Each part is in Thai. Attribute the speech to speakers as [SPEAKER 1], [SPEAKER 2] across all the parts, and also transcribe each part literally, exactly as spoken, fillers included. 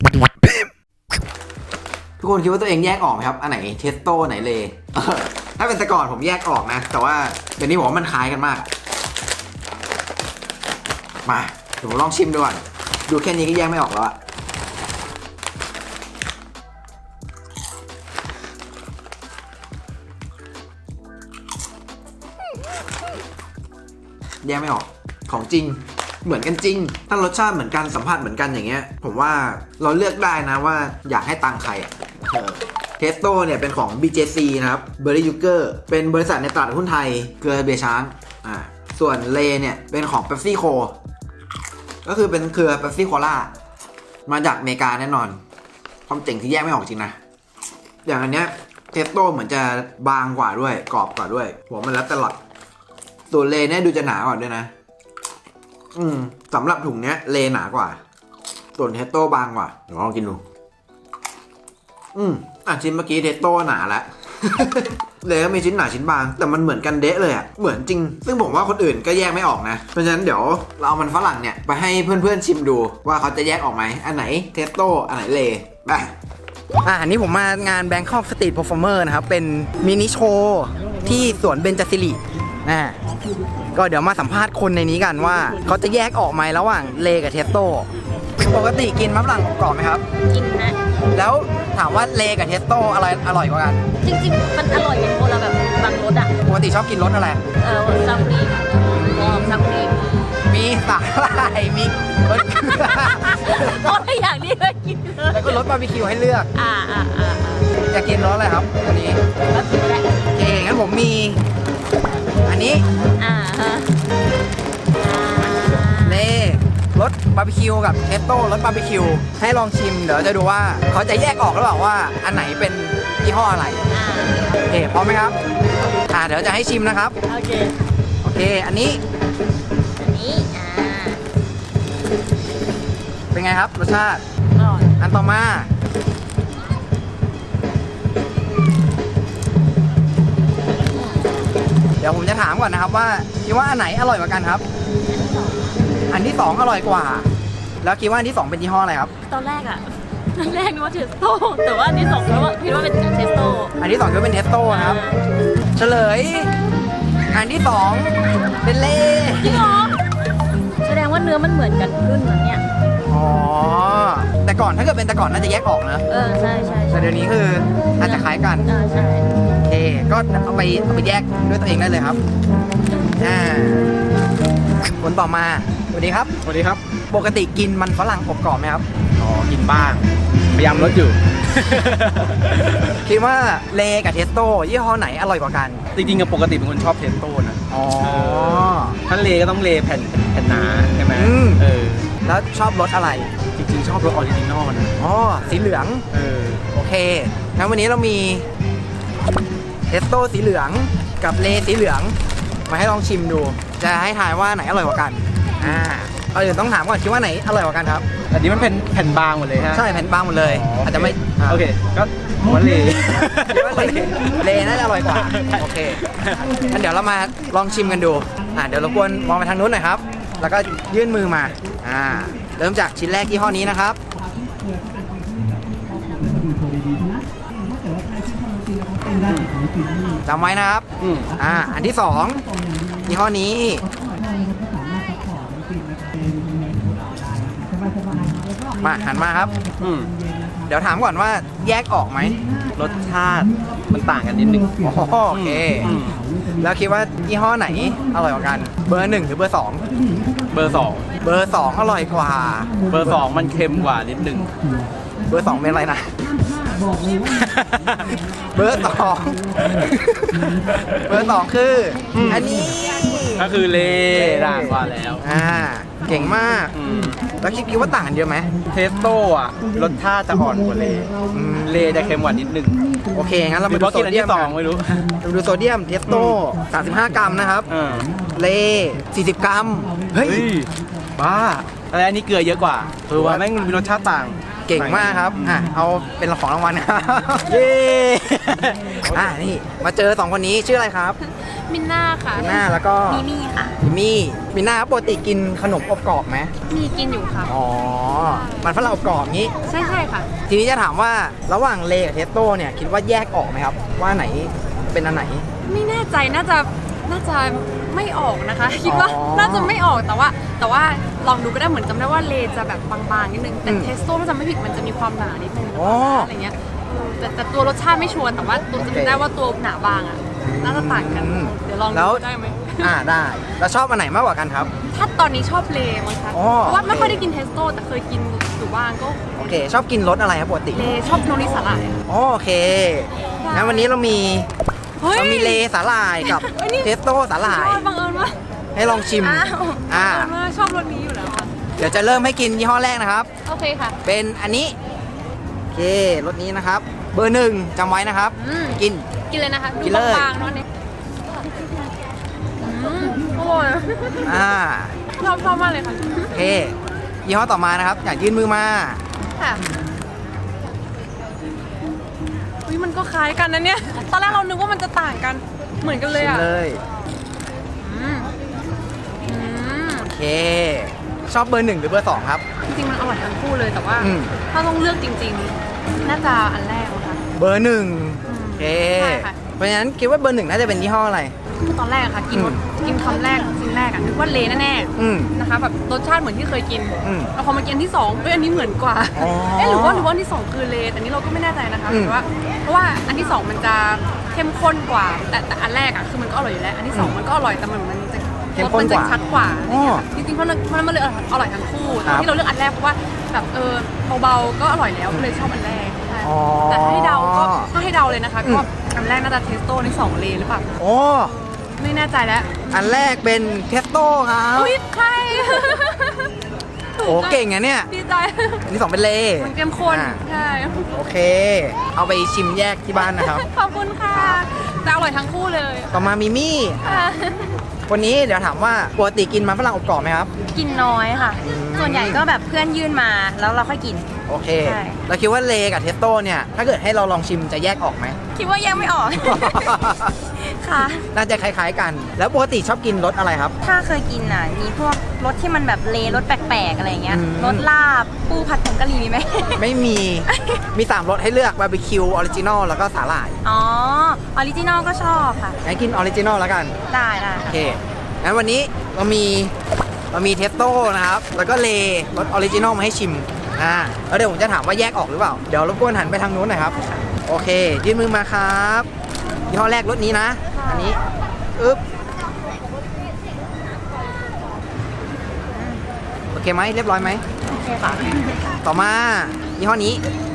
[SPEAKER 1] ทุกคนคิดว่าตัวเองแยกออกไหมครับอันไหนเทสโต้ไหนเลถ้าเป็นแต่ก่อนผมแยกออกนะแต่ว่าเดี๋ยวนี้ผมว่ามันคล้ายกันมากมาเดี๋ยวผมลองชิมดูก่อนดูแค่นี้ก็แยกไม่ออกแล้วอะแยกไม่ออกของจริงเหมือนกันจริงถ้ารสชาติเหมือนกันสัมผัสเหมือนกันอย่างเงี้ยผมว่าเราเลือกได้นะว่าอยากให้ตังใครอ่ะเทสโต้เนี่ยเป็นของ บี เจ ซี นะครับเบอร์รี่ยูเกอร์เป็นบริษัทในตลาดหุ้นไทยเครือเบียร์ช้างอ่าส่วนเลเนี่ยเป็นของ Pepsi Co ก็คือเป็นเครือ Pepsi Cola มาจากอเมริกาแน่นอนความเจ๋งที่แยกไม่ออกจริงนะอย่างอันเนี้ยเทสโต้เหมือนจะบางกว่าด้วยกรอบกว่าด้วยหัวมันแล้วตลอดส่วนเลเนี่ยดูจะหนากว่าด้วยนะอืมสำหรับถุงเนี้ยเลหนากว่าส่วนเทสโต้บางกว่าเดี๋ยวลองกินดูอืมอ่ะชิ้นเมื่อกี้เทสโต้หนาแล้ว เลก็มีชิ้นหนาชิ้นบางแต่มันเหมือนกันเดะเลยอ่ะเหมือนจริงซึ่งผมว่าคนอื่นก็แยกไม่ออกนะเพราะฉะนั้นเดี๋ยวเราเอามันฝรั่งเนี่ยไปให้เพื่อนๆชิมดูว่าเขาจะแยกออกไหมอันไหนเทสโต้อันไหนเลไปอ่ะอันนี้ผมมางาน Bangkok Street Performer นะครับเป็นมินิโชว์ที่สวนเบญจศิรินะก็เดี๋ยวมาสัมภาษณ์คนในนี้กันว่าเขาจะแยกออกไหมระหว่างเลกับเทสโต้ปกติกินมะฝรั่งกรอบไหมครับ
[SPEAKER 2] กินนะ
[SPEAKER 1] แล้วถามว่าเลกับเทสโต้อะไรอร่อยกว่ากัน
[SPEAKER 2] จริงๆมันอร่อยเป็นคนละแบบบางรสอ่ะ
[SPEAKER 1] ปกติชอบกินรสอะไร
[SPEAKER 2] เออซัมรีมอซัมรีม
[SPEAKER 1] มีสาหร่ายมีรสเกลือ
[SPEAKER 2] เพราะอย่างนี้เลยกินเลย
[SPEAKER 1] แล้วก็รสบาร์บีคิวให้เลือก
[SPEAKER 2] อ่าอ่าอ่า
[SPEAKER 1] อยากกินรสอะไรครับอันนี้
[SPEAKER 2] บาร์บีคิวแหละ
[SPEAKER 1] โอเคงั้นผมมีอันนี้
[SPEAKER 2] อ่าฮะ
[SPEAKER 1] เลรสบาร์บีคิวกับเทสโต้รสบาร์บีคิวให้ลองชิมเดี๋ยวจะดูว่าเขาจะแยกออกหรือเปล่าว่าอันไหนเป็นยี่ห้ออะไรโอเคพร้อมไหมครับอ่าเดี๋ยวจะให้ชิมนะครับ
[SPEAKER 2] โอเค
[SPEAKER 1] โอเคอันนี้
[SPEAKER 2] อันนี้อ่า
[SPEAKER 1] เป็นไงครับรสชาติ
[SPEAKER 2] อร่อย
[SPEAKER 1] อันต่อมาเดี๋ยวผมจะถามก่อนนะครับว่าคิดว่าอันไหนอร่อยกว่ากันครับอันที่สองอร่อยกว่าแล้วคิดว่าอันที่สองเป็นยี่ห้ออะไรครับ
[SPEAKER 2] ตอนแรกอะตอนแรกนึกว่าเทสโต้แต่ว่าอันที่สองคิดว่าคิดว่าเป็นเทสโต้
[SPEAKER 1] อันที่สองคิดว่าเป็นเทสโต้นะครับเฉลยอันที่สองเป็นเล่
[SPEAKER 2] จริงเหรอแสดงว่าเนื้อมันเหมือนกันรุ่นนั้นเนี่ย
[SPEAKER 1] อ๋อแต่ก่อนถ้าเกิดเป็นแต่ก่อนน่าจะแยกออกนะ
[SPEAKER 2] เออใช่ใช่
[SPEAKER 1] แต่เดี๋ยวนี้คือน่าจะคล้ายกัน
[SPEAKER 2] อ่าใช่
[SPEAKER 1] โอเคก็เอาไปเอาไปแยกด้วยตัวเองได้เลยครับอ่าคนต่อมาสวัสดีครับ
[SPEAKER 3] สวัสดีครับ
[SPEAKER 1] ปกติกินมันฝรั่งอบกรอบไหมครับ
[SPEAKER 3] อ๋อกินบ้างพยายามลดอยู่
[SPEAKER 1] คิดว่าเลกับเทสโต้ยี่ห้อไหนอร่อยกว่ากัน
[SPEAKER 3] จริงๆกับปกติเป็นคนชอบเทสโต้นะ
[SPEAKER 1] อ๋อ
[SPEAKER 3] ถ้าเลก็ต้องเลแผ่นแผ่นหนาใช่ไหมเออ
[SPEAKER 1] แล้วชอบรสอะไร
[SPEAKER 3] จริงๆชอบรสออริจินอลนะ
[SPEAKER 1] อ๋อสีเหลือง
[SPEAKER 3] เออ
[SPEAKER 1] โอเคงั้นวันนี้เรามีเทสโต้สีเหลืองกับเลสีเหลืองมาให้ลองชิมดูจะให้ทายว่าไหนอร่อยกว่ากันอ่าเอาเดี๋ยวต้องถามก่อนคิดว่าไหนอร่อยกว่ากันครับ
[SPEAKER 3] อันนี้มันเป็นแผ่นบางหมดเลยฮะ
[SPEAKER 1] ใช่แผ่นบางหมดเลยอาจจะไม่
[SPEAKER 3] โอเคก็ว่าเล
[SPEAKER 1] เลน่าจะอร่อยกว่าโอเคงั้นเดี๋ยวเรามาลองชิมกันดูอ่าเดี๋ยวรบกวนมองไปทางนู้นหน่อยครับแล้วก็ยื่นมือมาอ่าเริ่มจากชิ้นแรกยี่ห้อนี้นะครับจำไว้นะครับอ่าอันที่สองยี่ห้อนี้มาหันมาครับเดี๋ยวถามก่อนว่าแยกออกไหม
[SPEAKER 3] รสชาติมันต่างกันนิดนึง
[SPEAKER 1] โอเคแล้วคิดว่ายี่ห้อไหนอร่อยกว่ากันเบอร์หนึ่งหรือเบอร์สอง
[SPEAKER 3] เบอร์สอง
[SPEAKER 1] เบอร์สองอร่อยกว่า
[SPEAKER 3] เบอร์สองมันเค็มกว่านิดนึง
[SPEAKER 1] เบอร์สองเป็นอะไรนะเบอร์สองเบอร์สองคืออันนี้
[SPEAKER 3] ก็คือเลด่างกว่าแล้ว
[SPEAKER 1] อ่าเก่งมากแล้วคิดคิดว่าต่างกันเยอะไหม
[SPEAKER 3] เทสโต้อะรสชาติจะอ่อนกว่าเลเลจะเค็มกว่านิดนึง
[SPEAKER 1] โอเคงั้นเราไปดูโซเดียม
[SPEAKER 3] สองไม่รู้
[SPEAKER 1] ดูโซเดียมเทสโต้สามสิบห้ากรัมนะครับเลสี่สิบกรัมเฮ้ย
[SPEAKER 3] บ้าอะไรอันนี้เกลือเยอะกว่าคือว่าแม่งมีรสชาติต่าง
[SPEAKER 1] เก่งมากครับอ่ะเอาเป็นของรางวัลครับเย้อ่ะนี่มาเจอสองคนนี้ชื่ออะไรครับ
[SPEAKER 2] มินน่าค่ะ
[SPEAKER 1] มิน่าแล้วก็
[SPEAKER 2] มีมี่ค่ะ
[SPEAKER 1] มี่มิน่าปกติกินขนมอบกรอบไหม
[SPEAKER 2] มีกินอยู่ค่ะ
[SPEAKER 1] อ๋อมันฝรั่งอบกรอบงี้
[SPEAKER 2] ใช่ใช่ค่ะ
[SPEAKER 1] ทีนี้จะถามว่าระหว่างเลกับเทสโต้เนี่ยคิดว่าแยกออกไหมครับ ว่าไหนเป็นอันไหน
[SPEAKER 2] ไม่แน่ใจน่าจะน่าจะไม่ออกนะคะ คิดว่า
[SPEAKER 1] อ๋อ
[SPEAKER 2] น่าจะไม่ออกแต่ว่า แต่ว่าลองดูก็ได้เหมือนจำได้ว่าเลจะแบบบางๆนิดนึงแต่
[SPEAKER 1] อืม
[SPEAKER 2] เทสโต้ถ้าจำไม่ผิดมันจะมีความหนานิดนึง
[SPEAKER 1] อ๋อ
[SPEAKER 2] อะไรเงี้ยเออแต่แต่ตัวรสชาติไม่ชัวร์แต่ว่าตัว
[SPEAKER 1] โอเค
[SPEAKER 2] จำได้ว่าตัวหนาบางอ่ะน่าจะต่างกัน
[SPEAKER 1] อืม
[SPEAKER 2] เดี๋ยวลอง
[SPEAKER 1] แล้
[SPEAKER 2] ดู
[SPEAKER 1] ว
[SPEAKER 2] ได้ไหม
[SPEAKER 1] อ่าได้แล้วชอบอันไหนมากกว่ากันครับ
[SPEAKER 2] ถ้าตอนนี้ชอบเลมั้งคะ
[SPEAKER 1] อ๋อ
[SPEAKER 2] เพราะว่าไม่
[SPEAKER 1] โอเค
[SPEAKER 2] ค่อยได้กินเทสโต้แต่เคยกินอยู่บ้างก็
[SPEAKER 1] โอเค ชอบกินรสอะไรครับปกติ
[SPEAKER 2] เลชอบโนริสาหร่าย
[SPEAKER 1] อ๋อโอเคงั้นวันนี้เรามี
[SPEAKER 2] เฮ้ย
[SPEAKER 1] เรามีเลสาหร่ายกับ
[SPEAKER 2] เฮ้ยนี่
[SPEAKER 1] เทสโต้สาหร่าย
[SPEAKER 2] ยอดบังเอิญว่า
[SPEAKER 1] ให้ลองชิม
[SPEAKER 2] อ้าว
[SPEAKER 1] อ่า
[SPEAKER 2] บังเอิญว่าชอบรสนี้อยู่แล้วอะ
[SPEAKER 1] เดี๋ยวจะเริ่มให้กินยี่ห้อแรกนะครับ
[SPEAKER 2] โอเคค่ะ
[SPEAKER 1] เป็นอันนี้โอเครสนี้นะครับ เบอร์หนึ่งจำไว้นะครับ
[SPEAKER 2] อืม
[SPEAKER 1] กิน
[SPEAKER 2] กินเลยนะคะ
[SPEAKER 1] กิ
[SPEAKER 2] ดู
[SPEAKER 1] นเลย
[SPEAKER 2] บางๆเนาะเนี่ยอืมอร่อย
[SPEAKER 1] อ่า
[SPEAKER 2] ชอบชอบมากเลยค่ะ
[SPEAKER 1] โอเคยี่ห้อต่อมานะครับ อยากยื่นมือมา
[SPEAKER 2] ค่ะอุ้ยมันก็คล้ายกันนะเนี่ย ตอนแรกเรานึกว่ามันจะต่างกัน เหมือนกันเลย
[SPEAKER 1] ชิม
[SPEAKER 2] อ่ะ
[SPEAKER 1] เลย
[SPEAKER 2] อืมอืม
[SPEAKER 1] โอเค ชอบเบอร์หนึ่งหรือเบอร์สองครับ
[SPEAKER 2] จริงๆมันอร่อยทั้งคู่เลยแต่ว่า
[SPEAKER 1] อืม
[SPEAKER 2] ถ้าต้องเลือกจริงๆ น่าจะอันแรกนะคะ
[SPEAKER 1] เบอร์หนึ่ง
[SPEAKER 2] อืม
[SPEAKER 1] โอเค
[SPEAKER 2] ใช่ค่ะ
[SPEAKER 1] เพราะฉะนั้นคิดว่าเบอร์หนึ่งน่าจะเป็นยี่ห้ออะไร
[SPEAKER 2] ตอนแรกอะค่ะ กิน
[SPEAKER 1] อืม
[SPEAKER 2] กินคำแรกชิ้นแรกอะนึกว่าเลแน่
[SPEAKER 1] อืม
[SPEAKER 2] ๆนะคะแบบรสชาติเหมือนที่เคยกิน
[SPEAKER 1] อืม
[SPEAKER 2] แล้วพอมากินอันที่สองเฮ้ยอันนี้เหมือนกว่า
[SPEAKER 1] อ๋อ
[SPEAKER 2] เอ๊ะหรือว่าหรือว่าอันที่สองคือเลแต่อันนี้เราก็ไม่แน่ใจนะคะ
[SPEAKER 1] อืม
[SPEAKER 2] แต่ว่าเพราะว่าอันที่สองมันจะเข้มข้นกว่า แต่แต่อันแรกอะคือมันก็อร่อยอยู่แล้ว อันที่สองมันก็อร่อยแต่มันมันจะ
[SPEAKER 1] เข้ม
[SPEAKER 2] รส
[SPEAKER 1] ข้น
[SPEAKER 2] มัน
[SPEAKER 1] ก
[SPEAKER 2] จะ
[SPEAKER 1] ว่า
[SPEAKER 2] ชัดกว่าอะไรเงี้ย
[SPEAKER 1] อ๋อ
[SPEAKER 2] จริงๆเพราะมันเพราะมันเลยอร่อยทั้งคู่
[SPEAKER 1] ครับ
[SPEAKER 2] ที่เราเลือกอันแรกเพราะว่าแบบเออเบาๆก็อร่อยแล้วก็เลยชอบอันแรกใช่
[SPEAKER 1] อ๋อ
[SPEAKER 2] แต่ถ้าให้เดาก็ถ้าให้เดาเลยนะคะ
[SPEAKER 1] อืม
[SPEAKER 2] ก็อันแรกน่าจะเทสโต้อันที่สองเลหรือเปล่า
[SPEAKER 1] โอ้
[SPEAKER 2] ไม่แน่ใจแล้ว
[SPEAKER 1] อันแรกเป็นเทสโต้ครับ
[SPEAKER 2] อุ้ยใคร
[SPEAKER 1] โอ้เก่งอะเนี่ย
[SPEAKER 2] ดีใจ
[SPEAKER 1] อันที่สองเป็นเล
[SPEAKER 2] มันเข้มข้น
[SPEAKER 1] อ่า
[SPEAKER 2] ใช่
[SPEAKER 1] โอเค เอาไปชิมแยกที่บ้านนะครับ
[SPEAKER 2] ขอบคุณค่ะแต่อร่อยทั้งคู่เลย
[SPEAKER 1] ต่อมามิมี่
[SPEAKER 2] ค่ะ
[SPEAKER 1] วันนี้เดี๋ยวถามว่าปกติกินมันฝรั่งอบกรอบไหมครับ
[SPEAKER 4] กินน้อยค่ะ
[SPEAKER 1] อืม
[SPEAKER 4] ส่วนใหญ่ก็แบบเพื่อนยื่นมาแล้วเราค่อยกิน
[SPEAKER 1] โอเค
[SPEAKER 4] ใช่
[SPEAKER 1] เราคิดว่าเลกับเทสโต้เนี่ย ถ้าเกิดให้เราลองชิมจะแยกออกไหม
[SPEAKER 4] คิดว่ายังไม่ออก ค่ะ
[SPEAKER 1] น่าจะคล้ายๆกัน แล้วปกติชอบกินรสอะไรครับ
[SPEAKER 4] ถ้าเคยกินอ่ะ มีพวกรสที่มันแบบเลรสแปลกๆอะไรเงี้ย
[SPEAKER 1] อืม
[SPEAKER 4] รสลาบ ปูผัดผงกะหรี่มีไหม
[SPEAKER 1] ไม่มี มีสามรสให้เลือกบาร์บีคิวออริจินอลแล้วก็สาหร่าย
[SPEAKER 4] อ๋อ ออริจินอลก็ชอบค่ะ
[SPEAKER 1] งั้นกินออริจินอลแล้วกัน
[SPEAKER 4] ได้ได้
[SPEAKER 1] โอเค งั้นวันนี้เรามีเรามีเทสโต้นะครับ แล้วก็เลรสออริจินอลมาให้ชิม อ่า แล้วเดี๋ยวผมจะถามว่าแยกออกหรือเปล่า เดี๋ยวรบกวนหันไปทางนู้นหน่อยครับ โอเค ยื่นมือมาครับยี่ห้อแรกรถนี้นะ อันนี้ อึ๊บ โอเคไหมเรียบร้อยไหม
[SPEAKER 4] โอเคค่ะ
[SPEAKER 1] ต่อมายี่ห้อนี้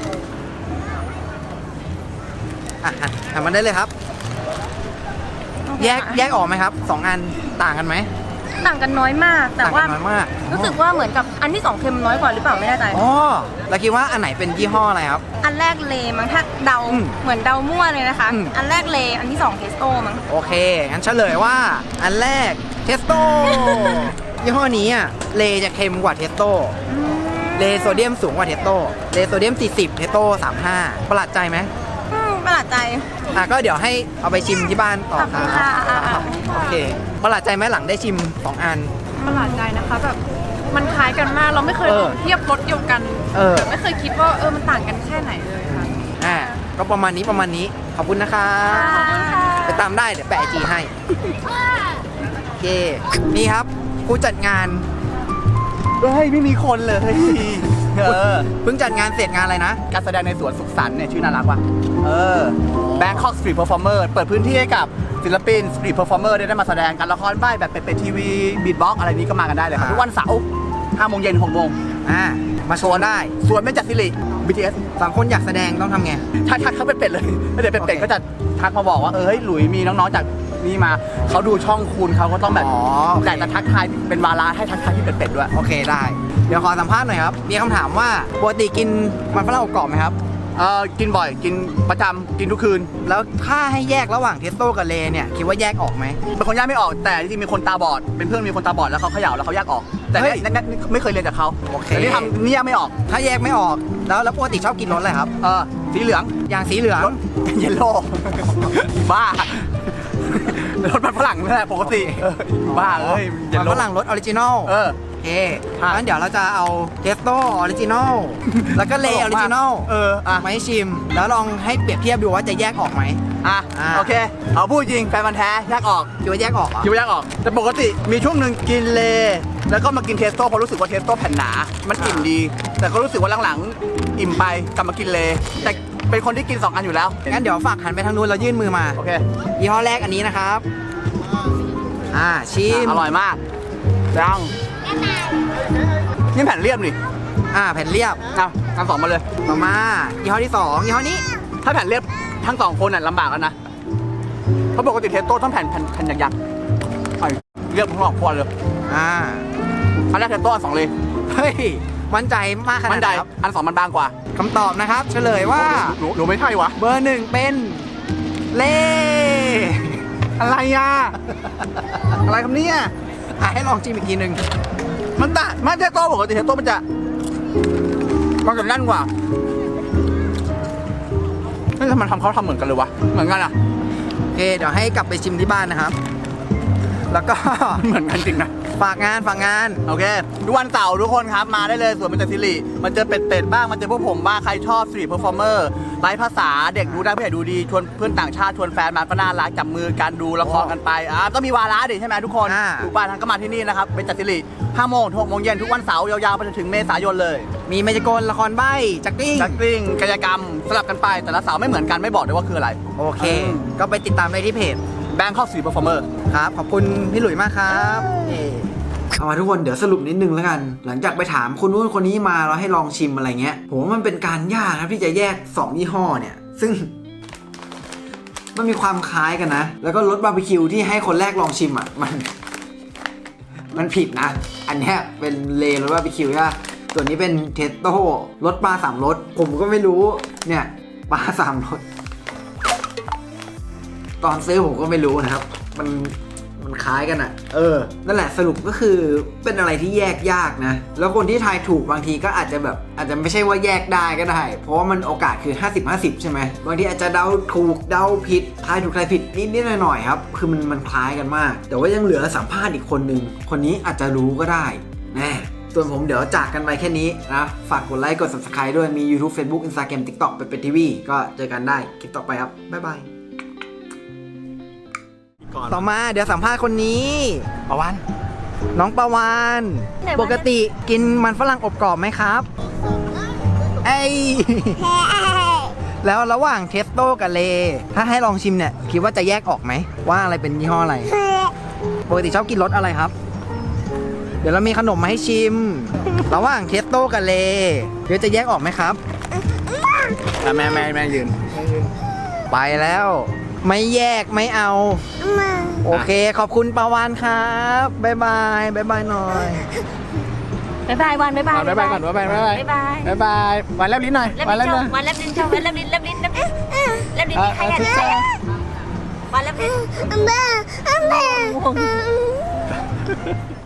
[SPEAKER 1] อ่ะหันหันมาได้เลยครับ แยกแยกออกไหมครับสองอันต่างกันไหม
[SPEAKER 4] ต่างกันน้อยมาก แต่
[SPEAKER 1] ต่าง
[SPEAKER 4] ว่า
[SPEAKER 1] กันน้อยมาก
[SPEAKER 4] รู้สึกว่าเหมือนกับอันที่สองเค็มน้อยกว่าหรือเปล่าไม่แน่ใจ
[SPEAKER 1] อ๋อแล้วคิดว่าอันไหนเป็นยี่ห้ออะไรครับ
[SPEAKER 4] อันแรกเลมั้งถ้าเดา
[SPEAKER 1] อืม
[SPEAKER 4] เหมือนเดามั่วเลยนะคะ
[SPEAKER 1] อืม
[SPEAKER 4] อันแรกเล อันที่สองเทสโต้มั้ง
[SPEAKER 1] โอเค งั้นเฉลยว่า อันแรกเทสโต้ ยี่ห้อนี้อ่ะเลจะเค็มกว่าเทสโต้เลโซเดียมสูงกว่าเทสโต้เลโซเดียมสี่สิบเทสโต้สามสิบห้าประหลาดใจไหม
[SPEAKER 4] อืมประหลาดใจ
[SPEAKER 1] อ่ะก็เดี๋ยวให้เอาไปชิมที่บ้านต่อ
[SPEAKER 4] ขอบคุณค่ะ
[SPEAKER 1] ครับโอเคประหลาดใจไหมหลังได้ชิมสองอัน
[SPEAKER 2] ประหลาดใจนะคะแบบมันคล้ายกันมากเราไม่เคย
[SPEAKER 1] เอ
[SPEAKER 2] ล
[SPEAKER 1] อ
[SPEAKER 2] องเทียบรสเดียวกัน
[SPEAKER 1] เออ
[SPEAKER 2] ไม่เคยคิดว่าเออมันต่างกันแค่ไหนเลยค่ะ
[SPEAKER 1] อ่าก็ประมาณนี้ประมาณนี้ขอบคุณนะครับ
[SPEAKER 4] ขอบคุณค่ะ
[SPEAKER 1] ไปตามได้เดี๋ยวแปะไอจีให้โอเคนี่ครับผู้จัดงานเฮ้ยไม่มีคนเลย
[SPEAKER 3] เออ
[SPEAKER 1] เพิ่งจัดงานเสร็จงานอะไรนะ
[SPEAKER 3] การแสดงในสวนสุขสันต์เนี่ยชื่อน่ารักว่ะเออ Bangkok Street Performer เปิดพื้นที่ให้กับศิลปิน Street Performer ได้ได้มาแสดงการละครใบ้แบบเป็นทีวีบีทบ็อกอะไรนี้ก็มากันได้เลยครับ
[SPEAKER 1] อ่า
[SPEAKER 3] ทุกวันเสาร์ห้าโมงเย็นหกโมง
[SPEAKER 1] อ่ามาโชว์ได้
[SPEAKER 3] ส่วนเบญจศิริ บี ที เอส
[SPEAKER 1] ฝั่งคนอยากแสดงต้องทำไง
[SPEAKER 3] ถ้าทักเขาเป็นเป็ดเลยแล้วเดี๋ยวเป็นเป็ด
[SPEAKER 1] โอเค
[SPEAKER 3] ก็จะทักมาบอกว่าเออเฮ้ยหลุยมีน้องๆจากนี่มาเขาดูช่องคุณเขาก็ต้องแบบ
[SPEAKER 1] อ๋อโอเค
[SPEAKER 3] แต่จะทักทายเป็นวาระให้ทักทายที่เป็นเป็ดด้วย
[SPEAKER 1] โอเคได้ เดี๋ยวขอสัมภาษณ์หน่อยครับ มีคำถามว่าปกติกินมันฝรั่งอบกรอบไหมครับ
[SPEAKER 3] เออกินบ่อยกินประจำกินทุกคืน
[SPEAKER 1] แล้วถ้าให้แยกระหว่างเทสโต้กับเลเนี่ยคิดว่าแยกออกไหม
[SPEAKER 3] เป็นคนแยกไม่ออกแต่จริงๆมีคนตาบอดเป็นเพื่อนมีคนตาบอดแล้วเขาเขย่าแล้วเขาแยกออกแต่
[SPEAKER 1] เฮ้ย
[SPEAKER 3] นั่นนั่นไม่เคยเรียนจากเขา
[SPEAKER 1] โอเค
[SPEAKER 3] แต่นี่ทำเนี่ยไม่ออก
[SPEAKER 1] ถ้าแยกไม่ออกแล้วแล้วปกติชอบกินรสอะไรครับ
[SPEAKER 3] เออสีเหลือง
[SPEAKER 1] อย่างสีเหลือง
[SPEAKER 3] รถเยลโล่ บ้า รถมันฝรั่งนั่นแหละปกติเออบ้าเอ้ยเยล
[SPEAKER 1] มัน
[SPEAKER 3] โล่
[SPEAKER 1] ฝรั่งรสออริจินอล
[SPEAKER 3] เออ
[SPEAKER 1] โอเค
[SPEAKER 3] ใช่
[SPEAKER 1] งั้นเดี๋ยวเราจะเอาเทสโต้ออริจินอลแล้วก็เลออริจินอล
[SPEAKER 3] เอออ่ะ
[SPEAKER 1] มาให้ชิม แล้วลองให้เปรียบเทียบดูว่าจะแยกออกไหม
[SPEAKER 3] อ่ะ
[SPEAKER 1] อ่ะ
[SPEAKER 3] โอเค เอาพูดจริงแฟนพันธ์แท้แยกออก
[SPEAKER 1] คิดว่าแยกออกเหรอ
[SPEAKER 3] คิดว่าแยกออก แต่ปกติมีช่วงหนึ่งกินเลแล้วก็มากินเทสโต้เพราะรู้สึกว่าเทสโต้แผ่นหนา มันอิ่มดี แต่ก็รู้สึกว่าหลังๆอิ่มไปกลับมากินเลแต่เป็นคนที่กินสองอันอยู่แล้ว
[SPEAKER 1] งั้นเดี๋ยวฝากหันไปทางนู้นแล้วยื่นมือมา
[SPEAKER 3] โอเค
[SPEAKER 1] ยี่ห้อแรกอันนี้นะครับ อ่าชิม
[SPEAKER 3] อร่อยมากดังนี่แผ่นเรียบนี่
[SPEAKER 1] อ่าแผ่นเรียบ
[SPEAKER 3] เอาทั้งสองมาเลย
[SPEAKER 1] ต่อมายี่ห้อที่สองยี่ห้อนี้
[SPEAKER 3] ถ้าแผ่นเรียบทั้งสองคนน่ะลำบากแล้วนะ เพราะปกติเทสโต้ต้องแผ่นแผ่นแผ่นยักษ์ๆไอ้เรียบทั้งสองคนเลย
[SPEAKER 1] อ่า
[SPEAKER 3] อันแรกเทสโต้อันสองเลย
[SPEAKER 1] เฮ้ยมั่นใจมากขนา
[SPEAKER 3] มั
[SPEAKER 1] ด
[SPEAKER 3] น
[SPEAKER 1] ไห
[SPEAKER 3] ใด
[SPEAKER 1] นครับ
[SPEAKER 3] อันสองมันบางกว่า
[SPEAKER 1] คำตอบนะครับ เฉลยว่า
[SPEAKER 3] หนูหนูไม่ใช่วะ
[SPEAKER 1] เบอร์หนึ่งเป็นเล่
[SPEAKER 3] อะไรอ่ะ อะไรคำนี้อ่ะ
[SPEAKER 1] อ่ะให้ลองชิมอีกทีหนึ่ง
[SPEAKER 3] มันตะไม่เทสโต้ปกติเทสโต้มันจะมันจะแน่นกว่าเฮ้ยทำไมทำเขาทำเหมือนกันเลยวะ เหมือนกันอ่ะ
[SPEAKER 1] โอเคเดี๋ยวให้กลับไปชิมที่บ้านนะครับ แล้วก็
[SPEAKER 3] เหมือนกันจริงนะ
[SPEAKER 1] ฝากงานฝากงาน
[SPEAKER 3] โอเคทุกวันเสาร์ทุกคนครับมาได้เลยส่วนมันจะซิริมันเจอเป็ดๆบ้างมันเจอพวกผมบ้างใครชอบสตรีทเพอร์ฟอร์เมอร์ไลฟ์ภาษาเด็กดูได้ผู้ใหญ่ดูดีชวนเพื่อนต่างชาติชวนแฟนมาก็น่ารักจับมือกันดูละครกันไปอ่าก็มีวาระดิใช่ไหมทุกคน
[SPEAKER 1] อ่า
[SPEAKER 3] ทุกบ้านทั้งก็มาที่นี่นะครับเป็นจัดซิริห้าโมงถึงหกโมงเย็นทุกวันเสาร์ยาวๆไปจนถึงเมษายนเลย
[SPEAKER 1] มีเมจิโกนละครใบ้จักกิ้ง
[SPEAKER 3] จักกลิ้งกายกรรมสลับกันไปแต่ละเสาร์ไม่เหมือนกันไม่บอกด้วยว่าคืออะไร
[SPEAKER 1] โอเค ก็ไปติดตามได้ที่เพจ
[SPEAKER 3] แบงค์เข้าสตรีทเพอร์ฟอร์เมอร์
[SPEAKER 1] ครับ ขอบคุณพี่หลุยมากครับเอามาทุกคนเดี๋ยวสรุปนิดนึงแล้วกัน หลังจากไปถามคนนู้นคนนี้มาแล้วให้ลองชิมอะไรเงี้ยผมว่ามันเป็นการยากนะที่จะแยกสองยี่ห้อเนี่ย ซึ่ง มันมีความคล้ายกันนะ แล้วก็รสบาร์บีคิวที่ให้คนแรกลองชิมอ่ะมัน มันผิดนะ อันเนี้ยเป็นเลรสบาร์บีคิวใช่ปะตัวนี้เป็นเทสโต้รสปลาสามรสผมก็ไม่รู้เนี่ยปลาสามรสตอนซื้อผมก็ไม่รู้นะครับ มันมันคล้ายกันอะ่ะ เออ นั่นแหละสรุปก็คือเป็นอะไรที่แยกยากนะ แล้วคนที่ทายถูกบางทีก็อาจจะแบบอาจจะไม่ใช่ว่าแยกได้ก็ได้ เพราะว่ามันโอกาสคือ ห้าสิบ ห้าสิบ ใช่ไหม บางทีอาจจะเดาถูกเดาผิดทายถูกทายผิดนิดๆหน่อยๆครับ คือมันมันคล้ายกันมาก แต่ว่ายังเหลือสัมภาษณ์อีกคนนึง คนนี้อาจจะรู้ก็ได้แน่ส่วนผมเดี๋ยวจากกันไปแค่นี้นะ ฝากกดไลค์กด ซับสไครบ์ ด้วย มี YouTube Facebook Instagram TikTok ไปเป็นทีวีก็เจอกันได้คลิปต่อไปครับบ๊ายบายต่อมาเดี๋ยวสัมภาษณ์คนนี้ปะวันน้องปะวันปกติกินมันฝรั่งอบกรอบไหมครับไอยแล้วระหว่างเทสโต้กับเลถ้าให้ลองชิมเนี่ยคิดว่าจะแยกออกไหมว่าอะไรเป็นยี่ห้ออะไรปกติชอบกินรสอะไรครับ เดี๋ยวเรามีขนมมาให้ชิม ระหว่างเทสโต้กับเลเดี๋ยวจะแยกออกไหมครับ
[SPEAKER 3] แม่แม่แม่ยืน
[SPEAKER 1] ไปแล้ว ไม่แยกไม่เอา โอเคขอบคุณปาวานครับบ๊ายบายบ๊ายบายหน่อย
[SPEAKER 4] บ๊ายบายวันบ๊ายบาย
[SPEAKER 3] บ๊ายบายก่อนบ๊ายบายบ๊ายบาย
[SPEAKER 4] บ๊ายบาย
[SPEAKER 3] บ๊ายบายวันแลบลิ้นหน่อย
[SPEAKER 4] แลบ
[SPEAKER 3] วันแล
[SPEAKER 4] ลิ้
[SPEAKER 3] บ
[SPEAKER 4] น
[SPEAKER 3] ลิ้น
[SPEAKER 4] โชว์วันแลบลิ้นโชว์วันแลบลิ้นแลบลิ้นแลบลิ้นแลบลิ้นนี่ใครอ่ะนี่ใครอ่ะวันแลบลิ้น